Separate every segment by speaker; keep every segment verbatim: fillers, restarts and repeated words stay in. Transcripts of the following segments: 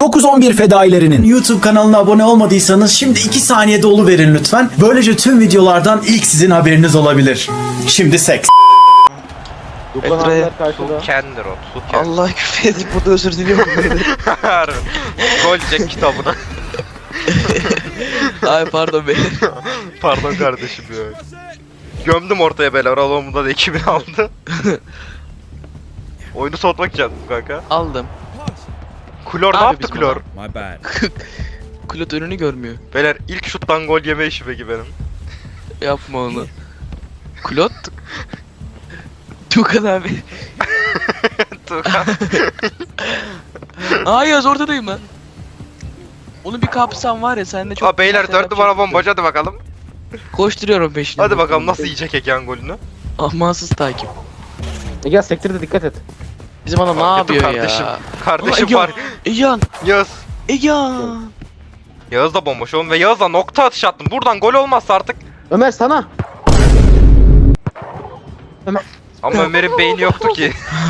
Speaker 1: dokuz on bir fedailerinin. YouTube kanalına abone olmadıysanız şimdi iki saniyede oluverin lütfen. Böylece tüm videolardan ilk sizin haberiniz olabilir. Şimdi seks.
Speaker 2: Duklan abiler karşıda.
Speaker 3: Kendir o. Su kendir.
Speaker 4: Allah küfür edip burada özür diliyorum.
Speaker 3: Harbi. Golcek kitabına.
Speaker 4: Ay pardon beyler.
Speaker 3: Pardon kardeşim ya. Gömdüm ortaya beyler. Alomunda da ekibini aldı. Oyunu soğutmak için yaptım kanka.
Speaker 4: Aldım.
Speaker 3: Klor ne
Speaker 4: Abi
Speaker 3: yaptı
Speaker 4: bizim
Speaker 3: Klor?
Speaker 5: My bad.
Speaker 4: Kulot önünü görmüyor.
Speaker 3: Beyler ilk şuttan gol yeme işi peki benim.
Speaker 4: Yapma onu. Kulot. Tukan abi.
Speaker 3: Tukan.
Speaker 4: Aa Yaz ortadayım lan. Onu bir kapsam var ya sen de çok...
Speaker 3: Aa beyler dört numara bombacı hadi bakalım.
Speaker 4: Koşturuyorum peşine.
Speaker 3: Hadi bakalım nasıl yiyecek Eken golünü.
Speaker 4: Amansız takip.
Speaker 2: Ege sektirde dikkat et.
Speaker 4: Bizim adam ne
Speaker 3: Fark ettim
Speaker 4: yapıyor
Speaker 3: kardeşim.
Speaker 4: ya?
Speaker 3: Kardeşim
Speaker 4: Ulan
Speaker 3: var.
Speaker 4: Egehan.
Speaker 3: Yağız.
Speaker 4: Egehan.
Speaker 3: Yağız da bomboş oğlum ve Yağız'la nokta atış attım. Buradan gol olmazsa artık.
Speaker 2: Ömer sana. Ömer.
Speaker 3: Ama Ömer'in beyni yoktu ki.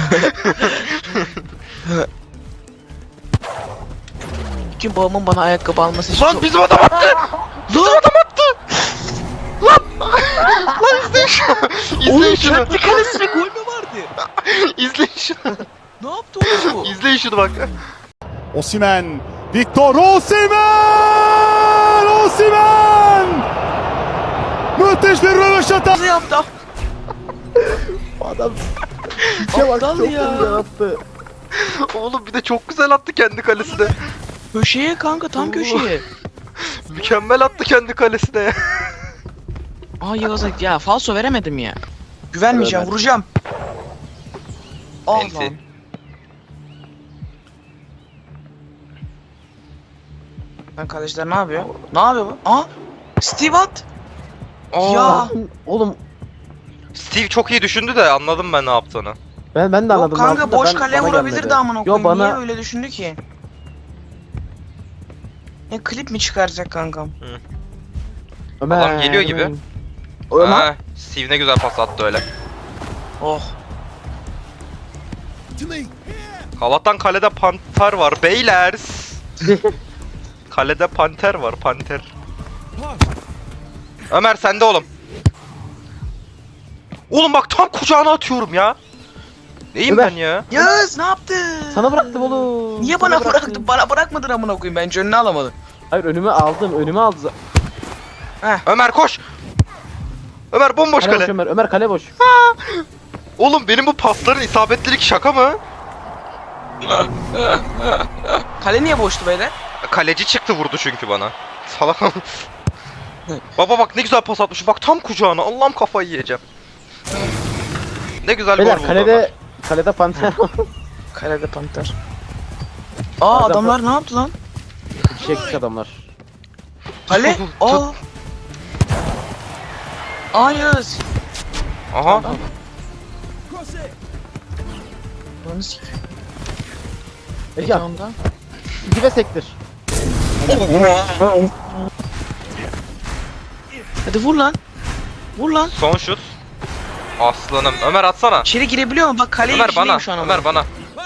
Speaker 4: Kim babamın bana ayakkabı alması için
Speaker 3: Lan
Speaker 4: çok...
Speaker 3: bizim adam attı. Bizim adam attı. Lan. Lan izleyin şunu. İzleyin
Speaker 4: Oğlum
Speaker 3: şunu.
Speaker 4: kendi kalesine gol mü vardı?
Speaker 3: İzleyin şunu.
Speaker 4: Ne yaptı oğlum bu?
Speaker 3: İzleyin şunu bak.
Speaker 5: Osimhen. Victor Osimhen! Osimhen! Müthiş bir röveşata.
Speaker 4: Ne yaptı?
Speaker 2: Adam. İçe bak
Speaker 4: Aptal
Speaker 2: çok
Speaker 4: ya.
Speaker 2: güzel attı.
Speaker 3: Oğlum bir de çok güzel attı kendi kalesine.
Speaker 4: Köşeye kanka tam köşeye.
Speaker 3: Mükemmel attı kendi kalesine ya.
Speaker 4: Aa Yağız'a ya falso veremedim ya. Güvenmeyeceğim
Speaker 2: Evet.
Speaker 4: vuracağım.
Speaker 3: Enti.
Speaker 4: Allah'ım. Lan kardeşler ne yapıyor? Ne yapıyor bu? Aa! Steve at! Ya!
Speaker 2: Oğlum
Speaker 3: Steve çok iyi düşündü de anladım ben ne yaptığını.
Speaker 2: ben ben de
Speaker 4: Yok
Speaker 2: anladım.
Speaker 4: kanka
Speaker 2: aslında,
Speaker 4: boş
Speaker 2: ben-
Speaker 4: kaleye
Speaker 2: bana
Speaker 4: vurabilirdi
Speaker 2: gelmedi.
Speaker 4: amına
Speaker 2: Yo
Speaker 4: koyayım.
Speaker 2: bana
Speaker 4: Niye öyle düşündü ki? Ne klip mi çıkaracak kankam?
Speaker 2: Ömer.
Speaker 3: Adam geliyor gibi.
Speaker 2: Ömer.
Speaker 3: Ha, Steve ne güzel pas attı öyle.
Speaker 4: Oh.
Speaker 3: Allah'tan kalede panter var beyler. Kalede panter var panter. Ömer sende oğlum. Oğlum bak tam kucağına atıyorum ya. Neyim
Speaker 2: Ömer.
Speaker 3: ben ya?
Speaker 4: Yağız ne yaptın?
Speaker 2: Sana bıraktım oğlum.
Speaker 4: Niye
Speaker 2: Sana
Speaker 4: bana
Speaker 2: bıraktım.
Speaker 4: bıraktın? Bana bırakmadın amına koyayım. Bence önüne alamadın.
Speaker 2: Hayır önüme aldım. Önüme aldı.
Speaker 3: Ömer koş. Ömer bomboş
Speaker 2: Kale boş
Speaker 3: kale.
Speaker 2: Ömer. Ömer kale boş.
Speaker 3: Oğlum benim bu pasların isabetlilik şaka mı?
Speaker 4: Kale niye boştu beyler?
Speaker 3: Kaleci çıktı vurdu çünkü bana. Salak. Baba bak ne güzel pas atmış. Bak tam kucağına. Allah'ım kafayı yiyeceğim. Ne güzel gol
Speaker 2: Beyler
Speaker 3: buldu.
Speaker 2: kalede kalede panter.
Speaker 4: Kalede panter. Aa
Speaker 2: Adam-
Speaker 4: adamlar ne yaptı lan?
Speaker 2: Çektik adamlar.
Speaker 4: Kale? Aa. Aa Yağız.
Speaker 3: Ömer. Aha.
Speaker 4: Lan sik.
Speaker 2: Ege
Speaker 4: Ondan.
Speaker 2: dibe sektir.
Speaker 4: Hadi vur lan. Vur lan.
Speaker 3: Son şut. Aslanım. Ömer atsana.
Speaker 4: İçeri girebiliyor mu? Bak kaleye
Speaker 3: Ömer bana.
Speaker 4: içindeyim şu an ama.
Speaker 3: Ömer bana.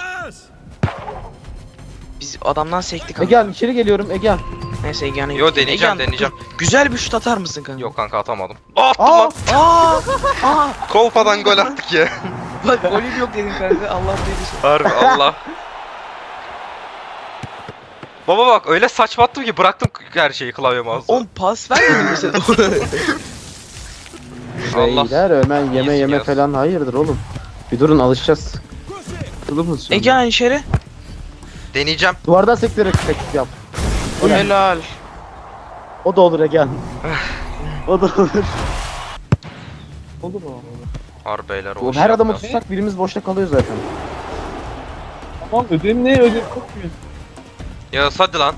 Speaker 4: Biz adamdan sektik ama.
Speaker 2: Egehan içeri geliyorum Egehan.
Speaker 4: Neyse Egehan'a
Speaker 3: Yo,
Speaker 4: gittik.
Speaker 3: deneyeceğim,
Speaker 4: Egehan,
Speaker 3: deneyeceğim.
Speaker 4: dur. Güzel bir şut atar mısın kanka?
Speaker 3: Yok kanka atamadım. Attım
Speaker 2: Aa!
Speaker 3: lan.
Speaker 4: Aa! Aa!
Speaker 3: Kolpadan gol attık ya.
Speaker 4: Bak golüm yok dedin kanka. Allah duygusu.
Speaker 3: Harbi Allah. Baba bak öyle saçma attım ki bıraktım her şeyi klavyeme az.
Speaker 4: On pas vermedin mi sen?
Speaker 3: Allah.
Speaker 2: Beyler hemen yeme
Speaker 3: İyisin
Speaker 2: yeme
Speaker 3: yaz.
Speaker 2: falan hayırdır oğlum. Bir durun alışacağız. Durur musun?
Speaker 4: Egehan içeri.
Speaker 3: Deneyeceğim.
Speaker 2: Duvardan sektirerek teklif yap.
Speaker 4: Helal.
Speaker 2: O da olur Egehan. O da olur. Olur mu?
Speaker 3: Harbi beyler o
Speaker 2: Oğlum,
Speaker 3: iş
Speaker 2: her adamı
Speaker 3: yaptı.
Speaker 2: tutsak birimiz boşta kalıyor zaten.
Speaker 6: Tamam ödevim ne ödev çok büyük.
Speaker 3: Yağız hadi lan.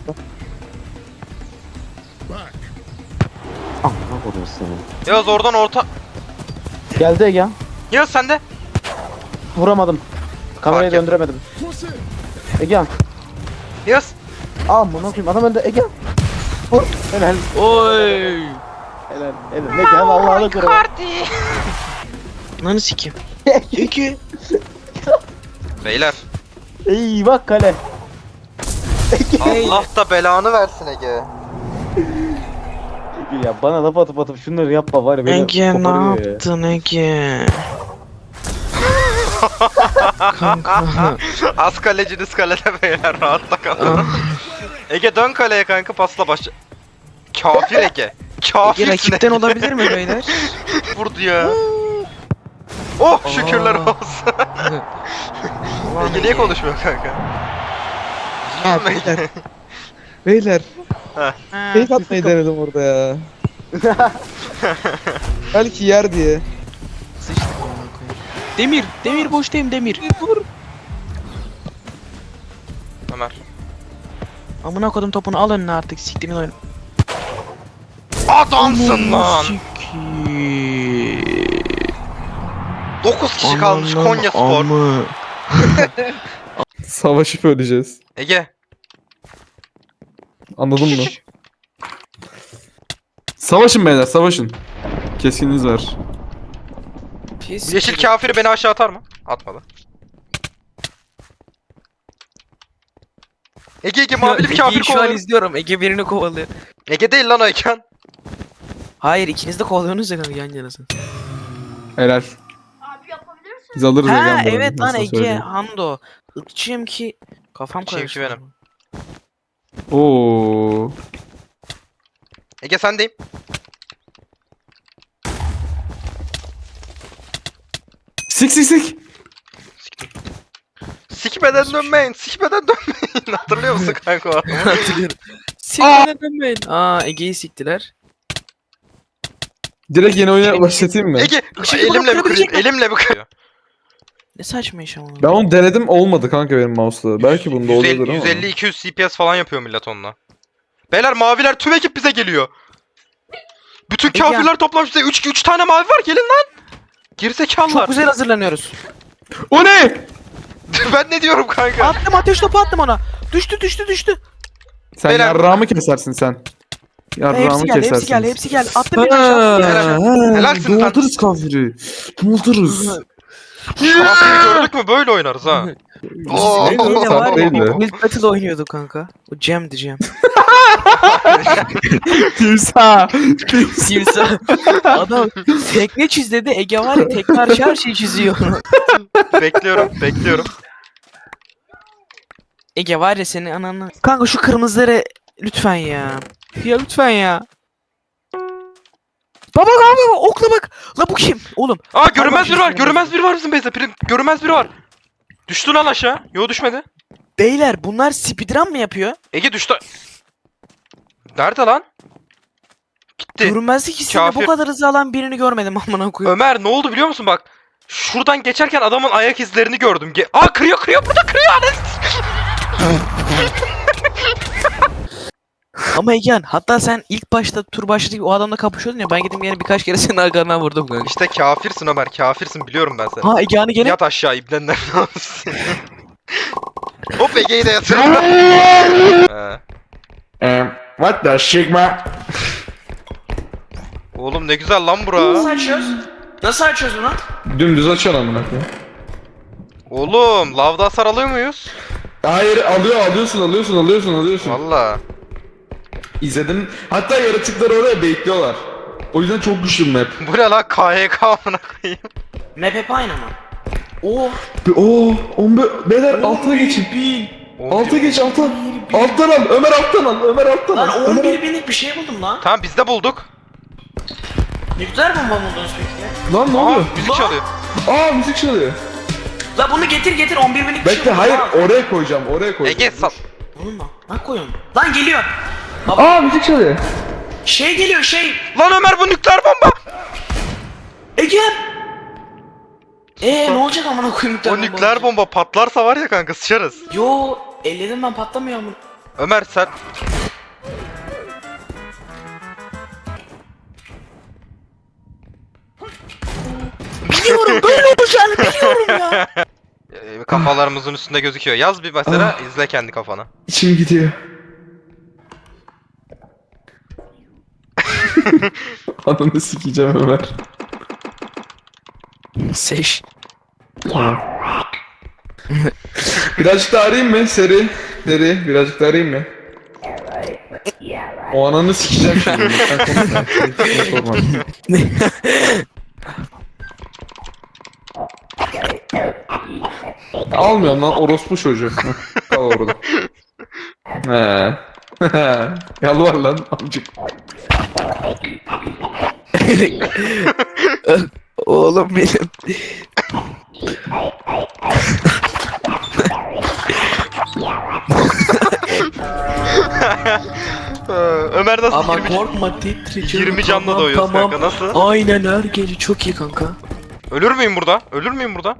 Speaker 2: Ah ne koydum seni.
Speaker 3: Yağız oradan orta.
Speaker 2: Geldi Egehan.
Speaker 3: Yağız sende.
Speaker 2: Vuramadım. Kamerayı
Speaker 3: Fark et.
Speaker 2: döndüremedim. Egehan.
Speaker 3: Yağız.
Speaker 2: Aa bunu koyayım adam önde Egehan. Vur. Helal.
Speaker 4: Oy.
Speaker 2: Helal. Helal. Egehan Allah'ını korusun.
Speaker 4: Lan sikim. İki.
Speaker 3: Beyler.
Speaker 2: Eyvah kale.
Speaker 3: Allah da belanı versin Ege.
Speaker 2: Ya bana laf atıp atıp şunları yapma var ya beni
Speaker 4: Ege ne
Speaker 2: koparıyor ya.
Speaker 4: yaptın Ege? Kanka.
Speaker 3: Az kaleciniz kalede beyler, rahatta kalın. Ege dön kaleye kanka, pasla baş. Kafir Ege.
Speaker 4: Ege
Speaker 3: Kafirsin
Speaker 4: rakipten
Speaker 3: Ege.
Speaker 4: olabilir mi beyler?
Speaker 3: Vurdu ya. Oh şükürler olsun. Ege niye konuşmuyor kanka?
Speaker 6: Ha beyler. Beyler.
Speaker 3: Heh.
Speaker 6: Fake atmayı denedim orada ya. Belki yer diye.
Speaker 4: Sıçtık amına koyayım. Demir, Demir boştayım Demir. Vur.
Speaker 3: Ömer.
Speaker 4: Amına kodum topunu al önüne artık siktimin oyunu.
Speaker 3: Adamsın lan. dokuz kişi kalmış Konya Spor.
Speaker 6: Savaşıp öleceğiz.
Speaker 3: Ege.
Speaker 6: Anladın mı? Savaşın beyler, savaşın. Keskininiz var.
Speaker 3: Yeşil kafiri beni aşağı atar mı? Atmadı. Ege Ege mavili bir kafir
Speaker 4: Ege'yi şu an
Speaker 3: kovalıyor.
Speaker 4: izliyorum. Ege birini kovalıyor.
Speaker 3: Ege değil lan o Eken.
Speaker 4: Hayır ikiniz de kovalıyorsunuz ya kanka yan yanasın.
Speaker 6: Helal.
Speaker 7: Abi yapabilirsin.
Speaker 6: Biz alırız
Speaker 4: Ha
Speaker 6: Ege'nin bunu,
Speaker 4: evet lan
Speaker 6: nasıl
Speaker 4: Ege
Speaker 6: söyleyeyim.
Speaker 4: Hando. Irkçıyım ki kafam
Speaker 3: Irkçıyım ki
Speaker 4: karıştı.
Speaker 3: benim.
Speaker 6: Oo.
Speaker 3: Ege sendeyim.
Speaker 6: Sik sik sik.
Speaker 3: Sikmeden dönmeyin. Sikmeden dönmeyin. Hatırlıyor musun kanka o adamı?
Speaker 4: Hatırlıyorum. Sikmeden dönmeyin. Aa Ege'yi siktiler.
Speaker 6: Direkt yeni oyuna başlatayım mı?
Speaker 3: Ege
Speaker 4: Işık
Speaker 3: elimle bir kırayım.
Speaker 4: bıraktırabilir
Speaker 3: Elimle bir kırayım.
Speaker 4: Ne saçma iş ama.
Speaker 6: Ben onu denedim, olmadı kanka benim mouse'la. Belki bunda oluyordur ama.
Speaker 3: yüz elli iki yüz C P S falan yapıyor millet onunla. Beyler maviler tüm ekip bize geliyor. Bütün
Speaker 4: Ege.
Speaker 3: kafirler toplanmış bize. üç üç tane mavi var, gelin lan. Gerizekalılar.
Speaker 4: Çok güzel hazırlanıyoruz.
Speaker 6: O ne?
Speaker 3: Ben ne diyorum kanka?
Speaker 4: Attım ateş topu attım ona. Düştü düştü düştü.
Speaker 6: Sen
Speaker 3: Beyler-
Speaker 6: yarrağımı kesersin sen. Yarrağımı
Speaker 4: Hepsi geldi
Speaker 6: kesersin.
Speaker 4: hepsi geldi hepsi geldi. Attım bir aşağı.
Speaker 3: Helal- Helalsin lan.
Speaker 6: Doldururuz kafiri. Doldururuz.
Speaker 3: Kafiri gördük mü böyle oynarız ha. Oo.
Speaker 6: Neydi
Speaker 4: Yine
Speaker 6: Sen
Speaker 4: var
Speaker 6: değil
Speaker 4: ya
Speaker 6: de.
Speaker 4: Wild Battle oynuyorduk kanka. O Cem'di Cem.
Speaker 6: Timsah.
Speaker 4: Simsa. Adam tekne çiz dedi. Ege var ya tekne arşı her şeyi çiziyor.
Speaker 3: Bekliyorum, bekliyorum.
Speaker 4: Ege var ya senin ananı. Kanka şu kırmızıları lütfen ya. Ya lütfen ya. Baba baba baba okla bak. La bu kim? Oğlum.
Speaker 3: Aa görünmez biri var,
Speaker 4: Pardon,
Speaker 3: görünmez biri var bizim base'de. Prim- Görünmez biri var. Düştü lan aşağı. Yo düşmedi.
Speaker 4: Beyler bunlar speedrun mı yapıyor?
Speaker 3: Ege düştü. Nerede lan? Gitti.
Speaker 4: Görünmezlik hissinde bu
Speaker 3: Kafir.
Speaker 4: kadar hızlı alan birini görmedim amına koyayım.
Speaker 3: Ömer ne oldu biliyor musun bak. Şuradan geçerken adamın ayak izlerini gördüm. Ge Aa kırıyor kırıyor burada kırıyor.
Speaker 4: Ama Egehan hatta sen ilk başta tur başladık o adamla kapışıyordun ya ben gittim yine birkaç kere senin arkandan vurdum kanka.
Speaker 3: İşte kafirsin Ömer, kafirsin biliyorum ben seni.
Speaker 4: Ha Egehan'ı gene
Speaker 3: Yat aşağı ibnenden olsun. Hop Ege'yi de yatırdım. He.
Speaker 6: What the sigma?
Speaker 3: Oğlum ne güzel lan bura.
Speaker 4: açıyoruz? Nasıl açıyoruz bunu?
Speaker 6: Dümdüz açan amına koyayım.
Speaker 3: Oğlum lavda hasar alıyor muyuz?
Speaker 6: Hayır, alıyor, alıyorsun, alıyorsun, alıyorsun, alıyorsun.
Speaker 3: Valla.
Speaker 6: İzledim. Hatta yaratıkları oraya bekliyorlar. O yüzden çok güçlü bir map.
Speaker 3: Bu ne lan K Y K amına koyayım.
Speaker 4: Map hep aynı mı? Oo.
Speaker 6: Oo, on be- beyler altına geçin. Alta geç, alta. Alttan al, Ömer alttan al, Ömer alttan
Speaker 4: Lan
Speaker 6: al.
Speaker 4: on
Speaker 6: Ömer
Speaker 4: bir binlik bir şey buldum lan.
Speaker 3: Tamam biz de bulduk.
Speaker 4: Nükleer bomba mı buldunuz peki?
Speaker 6: Lan ne
Speaker 3: Aa
Speaker 6: oluyor?
Speaker 3: müzik çalıyor.
Speaker 6: Aa müzik çalıyor.
Speaker 4: La bunu getir getir on bir binlik bir şey
Speaker 6: Bekle,
Speaker 4: buldum
Speaker 6: hayır,
Speaker 4: ha.
Speaker 6: oraya koyacağım, oraya koyacağım.
Speaker 3: Ege sal.
Speaker 4: Oğlum lan. Lan koyun. Lan geliyor.
Speaker 6: Aa müzik çalıyor.
Speaker 4: Şey geliyor şey.
Speaker 3: Lan Ömer bu nükleer bomba.
Speaker 4: Ege. Eee ne olacak amına koyayım nükleer
Speaker 3: O
Speaker 4: bomba
Speaker 3: nükleer
Speaker 4: olacak?
Speaker 3: bomba patlarsa var ya kanka sıçarız.
Speaker 4: Yo elledim ben patlamıyor mu?
Speaker 3: Ömer sen...
Speaker 4: Biliyorum böyle olacağını biliyorum ya.
Speaker 3: Ee, kafalarımızın üstünde gözüküyor. Yaz bir mesela izle kendi kafana.
Speaker 6: İçim gidiyor. Ananı sikeceğim Ömer.
Speaker 4: Seç.
Speaker 6: Birazcık da arayayım mı seri? Nereye? Birazcık da arayayım mı? O ananı sikeceğim şimdi. Sen konuşma. Hiç sorma. Almıyorum lan orospu çocuğu. Kal orada. He. Yalvar lan amcık.
Speaker 4: Oğlum benim.
Speaker 3: Ee, Ömer nasıl
Speaker 8: Ama
Speaker 3: yirmi,
Speaker 8: korkma titreyeceğim.
Speaker 3: yirmi canlı
Speaker 8: Tamam,
Speaker 3: doyuyorsun
Speaker 8: tamam.
Speaker 3: kanka nasıl?
Speaker 8: Aynen her gece çok iyi kanka.
Speaker 3: Ölür müyüm burada? Ölür müyüm burada?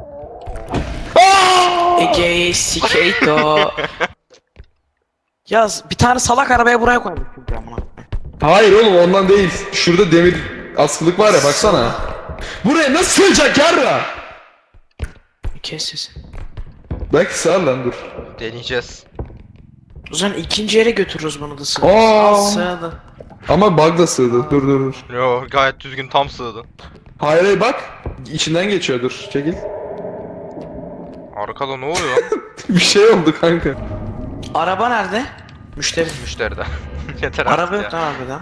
Speaker 4: Ege Sikeito. Yaz bir tane salak arabaya buraya koymuş çünkü amına.
Speaker 6: Hayır oğlum ondan değil. Şurada demir askılık var ya baksana. Buraya nasıl sığacak yarra?
Speaker 4: Kes sesini.
Speaker 6: Belki sığar lan dur.
Speaker 3: Deneyeceğiz.
Speaker 4: O zaman ikinci yere götürürüz bunu da sığ.
Speaker 6: Aa.
Speaker 4: Al sığdı.
Speaker 6: Ama bug da sığdı. Dur dur dur.
Speaker 3: Yo gayet düzgün tam sığdı.
Speaker 6: Hayır hayır bak. İçinden geçiyor dur. Çekil.
Speaker 3: Arkada ne oluyor lan?
Speaker 6: Bir şey oldu kanka.
Speaker 4: Araba nerede? Müşteri.
Speaker 3: Müşteride. Yeter artık
Speaker 4: Araba
Speaker 3: ya.
Speaker 4: yok lan harbiden.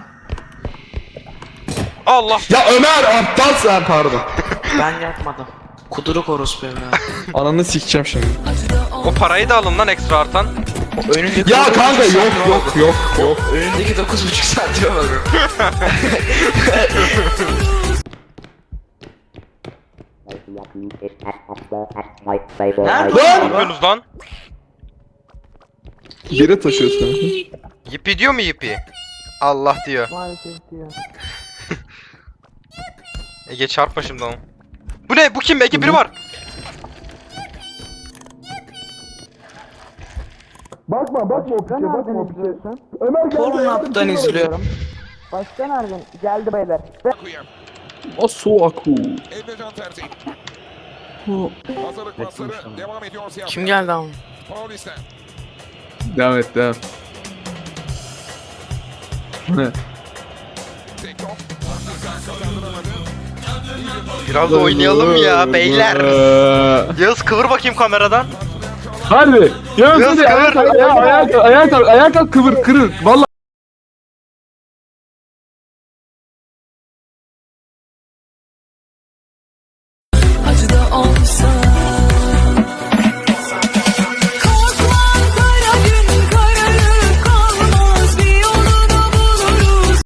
Speaker 3: Allah!
Speaker 6: Ya Ömer aptal sen pardon.
Speaker 4: Ben yapmadım. Kuduruk orospu evladım.
Speaker 6: Ananı sikeceğim şimdi.
Speaker 3: O parayı da alın lan ekstra artan.
Speaker 4: Önündeki
Speaker 6: Ya
Speaker 4: dokuz
Speaker 6: kanka
Speaker 4: buçuk
Speaker 6: yok
Speaker 4: saatime
Speaker 6: yok
Speaker 4: bakın.
Speaker 6: yok yok.
Speaker 4: Önündeki dokuz buçuk saatime bakın. Nerede
Speaker 3: Ne
Speaker 4: o araba?
Speaker 3: yapıyorsunuz lan?
Speaker 6: Bire taşıyorsun kanka.
Speaker 3: Yipi diyor mu yipi? Allah diyor. Ege çarpma şimdi onu. Bu ne? Bu kim? Ege biri var.
Speaker 6: Bakma bakma o piçe bakma o piçe. Ömer geldi.
Speaker 4: Pornhub'dan izliyorum.
Speaker 6: O soğuk.
Speaker 5: Hazırlık pasları devam ediyor.
Speaker 4: Kim geldi ama?
Speaker 5: Paulista.
Speaker 6: Devam et devam. Ne?
Speaker 3: Biraz da oynayalım ya beyler. Yağız kıvır bakayım kameradan.
Speaker 6: Harbi. Yağız
Speaker 3: Yağız
Speaker 6: hadi ayağa
Speaker 3: kıvır.
Speaker 6: kalk ayağa ayağa kalk ayağa kalk ayağa kalk kıvır kırır. Vallahi